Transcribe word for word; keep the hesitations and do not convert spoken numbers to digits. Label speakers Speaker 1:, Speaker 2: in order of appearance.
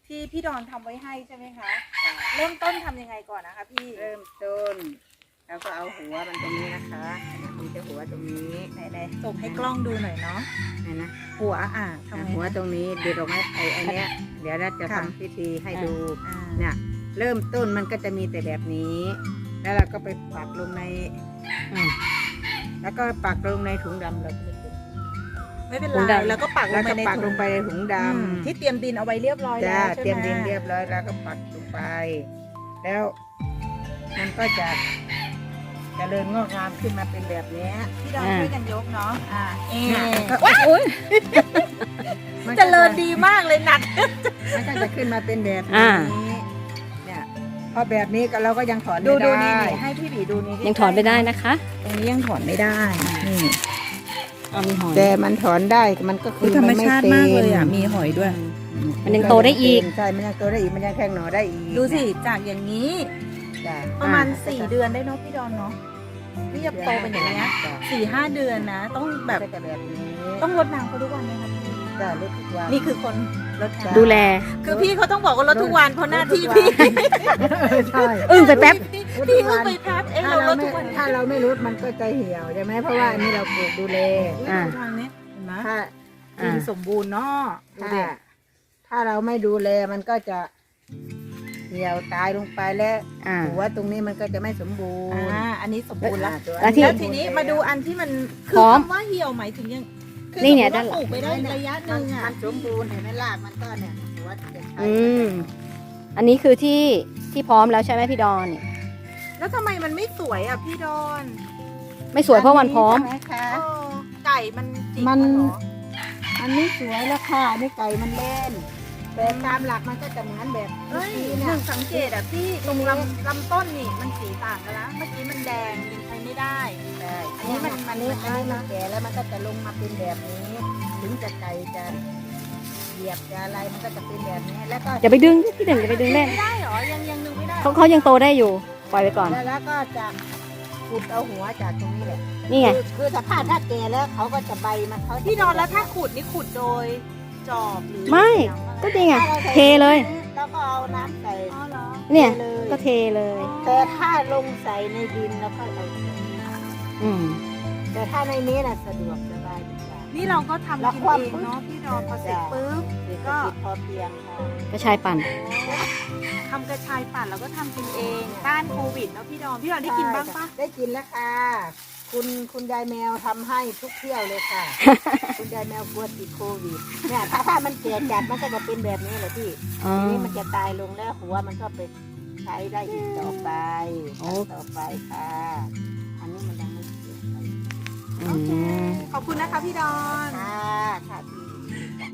Speaker 1: ที่พี่ดอนทำไว้ให้ใช่ไหมคะเริ่มต้นทำยังไงก่อนนะคะพี่
Speaker 2: เริ่มต้นเราก็เอาหัวมันตรงนี้นะคะมีแต่หัวตรงนี้
Speaker 1: ไหนๆส่งให้กล้องดูหน่อยเนาะ
Speaker 2: นี่นะ
Speaker 1: หัวอ่ะทำไง
Speaker 2: หัวตรงนี้เด็ดออกมาไอ้ไอ้เนี้ยเดี๋ยวเราจะทำพิธีให้ดูเนี่ยเริ่มต้นมันก็จะมีแต่แบบนี้ แล้วเราก็ไปปักลงในแล้วก็ปักลงในถุงดำเราก็ไม่เก็บ
Speaker 1: ไม่เป็นไรแล้วก็ปักล
Speaker 2: แล้ว
Speaker 1: งไป
Speaker 2: ก็
Speaker 1: ใน
Speaker 2: ปักล
Speaker 1: ถุ
Speaker 2: ง
Speaker 1: ง
Speaker 2: ไปในถุงดำ
Speaker 1: ที่เตรียมดินเอาไว้เรียบร้อยแล้
Speaker 2: จ้าว
Speaker 1: ใช่ไหม
Speaker 2: เตรียมดินเรียบร้อยแล้วก็ปักลงไป แล้วมันก็จะเจริญงอกงามขึ้นมาเป็นแบบนี้
Speaker 1: พี่ดอนช่วยกันยกเนาะอ่าเอ๊ะ
Speaker 2: ว้าย
Speaker 1: เจริญดีมากเลยหนัก
Speaker 2: มันก็จะขึ้นมาเป็นแบบ
Speaker 3: อ่า
Speaker 2: นี้เนี่ยพอแบบนี้ก็เราก็ยังถอน
Speaker 1: ดู
Speaker 2: ไม่
Speaker 1: ดู
Speaker 2: ได้
Speaker 1: นี่ให้พี่บีดูนี่
Speaker 3: ยังถอนไม่ได้นะคะ
Speaker 1: ตรงนี้ยังถอนไม่ได้นี่
Speaker 3: เอามีหอย
Speaker 2: แต่มันถอนได้มันก็คือ
Speaker 1: ธรรม
Speaker 2: นไ
Speaker 1: ชาติมากเลยอ่ะมีหอยด้วย
Speaker 3: มันยังโตได้อีก
Speaker 2: ใช่มันยังโตได้อีกมันยังแข็งหน่อได้อีก
Speaker 1: ดูสิจากอย่างนี้
Speaker 2: จ้ะ
Speaker 1: ประมาณ
Speaker 2: อ่
Speaker 1: สี่เดือนได้เนาะพี่ดอนเนาะนี่จะโตเป็นอย่างเงี้ย
Speaker 2: จ้ะ
Speaker 1: สี่ห้าเดือนนะ ต้องแบบ
Speaker 2: ก็จะแบบนี้
Speaker 1: ต้องรดน้ำเขาทุกวันไหมคะพี่
Speaker 2: จ้ะลดทุกวัน
Speaker 1: นี่คือคนรดน้ำ
Speaker 3: ดูแล
Speaker 1: คือพี่เขาต้องบอกว่ารดทุกวันเพราะหน้าที่พี่
Speaker 2: ใช่
Speaker 3: อึ้งไปแป๊บ
Speaker 1: พี่พี่เพิ่งไปพักเอ้
Speaker 2: ถ้า
Speaker 1: เราร
Speaker 2: เรา
Speaker 1: ด
Speaker 2: ไม่
Speaker 1: ทุกวัน
Speaker 2: ถ้าเราไม่ลดมันก็จะเหี่ยวใช่ไหมเพราะว่าอันนี้เราปลูกดูแล
Speaker 1: อุ๊ย
Speaker 3: อ่า
Speaker 1: ดูทางนี้เห็นไหม
Speaker 2: ถ้า
Speaker 1: ดินสมบูรณ์เนาะดู
Speaker 2: ถ้า
Speaker 1: ดิ
Speaker 2: ถ้าเราไม่ดูแลมันก็จะเหี่ยวตายลงไปแล้ว
Speaker 3: อ่า
Speaker 2: หัวตรงนี้มันก็จะไม่สมบูรณ์
Speaker 1: อ่าอันนี้สมบูรณ์แล้ว
Speaker 2: ตัว
Speaker 3: แล้วที่
Speaker 1: แล้วทีนี้มาดูอันที่มันคื
Speaker 3: พร้อม
Speaker 1: คำว่าเหี่ยวหมายถึงยังคือ
Speaker 3: นี่เนี่ย
Speaker 1: สมมุติว่า
Speaker 3: ด้านหลัง
Speaker 1: ปลูกไปได้ระยะห
Speaker 2: มั
Speaker 1: นึ่
Speaker 2: น
Speaker 1: งอ่ะ
Speaker 2: มันสมบูรณ์เห็นไหมรากมันก็เนี่ยหัวจะใช้
Speaker 3: อืม อันนี้คือที่ที่พร้อมแล้วใช่ไหมพี่ดอน
Speaker 1: แล้วทำไมมันไม่สวยอ่ะพี่ดอน
Speaker 3: ไม่สวยเพราะมันพร้อม
Speaker 2: ใช่ไหคะ
Speaker 1: เออไก่มันจิก
Speaker 2: มัน
Speaker 1: เหรอ
Speaker 2: อันนี้สวยแล้วค่ะนี่ไก่มันเล่นแต่ตามหลักมันก็จะเหมือนแบบ
Speaker 1: เฮ้ย
Speaker 2: นี้
Speaker 1: ห
Speaker 2: นะ
Speaker 1: นึ่งสังเกตอ่ะพี่ตรงลำลำต้นนี่มันสีต่างกันแล้วเมื่อกี้มันแดงยังใช้ไม่ได้
Speaker 2: ใช่
Speaker 1: อันนี้มัน
Speaker 2: อันนี้
Speaker 1: มัน
Speaker 2: อันนี้มันแก่แล้วมันก็จะลงมาเป็นแบบนี้ ถึงจะไก่จะเหยียบจะอะไรมันก็จะเป็นแบบนี้แล้วก็
Speaker 3: อย่าไปดึงพี่หนึ่งอย่าไปดึงเล่น
Speaker 1: ไม่ได้เหรอยังยังนึงไม่ได้
Speaker 3: เขาเขายังโตได้อยู่ ปล่อยไปก่อน
Speaker 2: แล้วแล้วก็จะขุดเอาหัวจากตรงนี้แหละ
Speaker 3: นี่ไง
Speaker 2: คือคือสภาพถ้าแก่แล้วเขาก็จะใบมันเขาจะ
Speaker 1: พี่ดอนแล้วถ้าขุดนี่ขุดโดยจอบหรือ
Speaker 3: ไม่
Speaker 1: ยังง
Speaker 3: ก็จริงอ่ะ
Speaker 2: ถ้าราใส่
Speaker 3: เทเลย
Speaker 2: แล้วก็เอาน้ำใส่
Speaker 1: อ๋อเหรอ
Speaker 3: เนี่ย
Speaker 2: เลย
Speaker 3: ก็เทเลย
Speaker 2: แต่ถ้าลงใส่ในดินแล้วก็เอา
Speaker 3: อืม
Speaker 2: แต่ถ้าในนี้น่ะสะดวกสบายดีกว่า
Speaker 1: นี่เราก็ทำ
Speaker 2: แล้ว
Speaker 1: กิน
Speaker 2: ความ
Speaker 1: เองเนาะพี่ดอนพอเสร็จปุ๊บ
Speaker 2: เศรษฐ
Speaker 1: ก็
Speaker 2: กิจพอเพียงค่ะ
Speaker 3: กระชายปั่น
Speaker 1: ทำกระชายปั่นแล้วก็ทำกินเองต้านโควิดแล้วพี่ดอนพี่ดอนได้กินบ้างปะ
Speaker 2: ได้กินแล้วค่ะ คุณคุณยายแมวทำให้ทุกเที่ยวเลยค่ะ คุณยายแมวกลัวติดโควิดเนี่ยถ้าถ้ามันเกิดจัดมันก็จะเป็นแบบนี้แหละพี่
Speaker 3: อ๋อ
Speaker 2: ทีนี้มันจะตายลงแล้วหัวมันก็ไปใช้ได้อีกต่อไป
Speaker 3: โอ้
Speaker 2: ต่อไปค่ะ อันนี้มันยังไม่เกิด
Speaker 3: อืม
Speaker 1: ขอบคุณนะคะพี่ดอน
Speaker 2: ค่ะค่ะพี่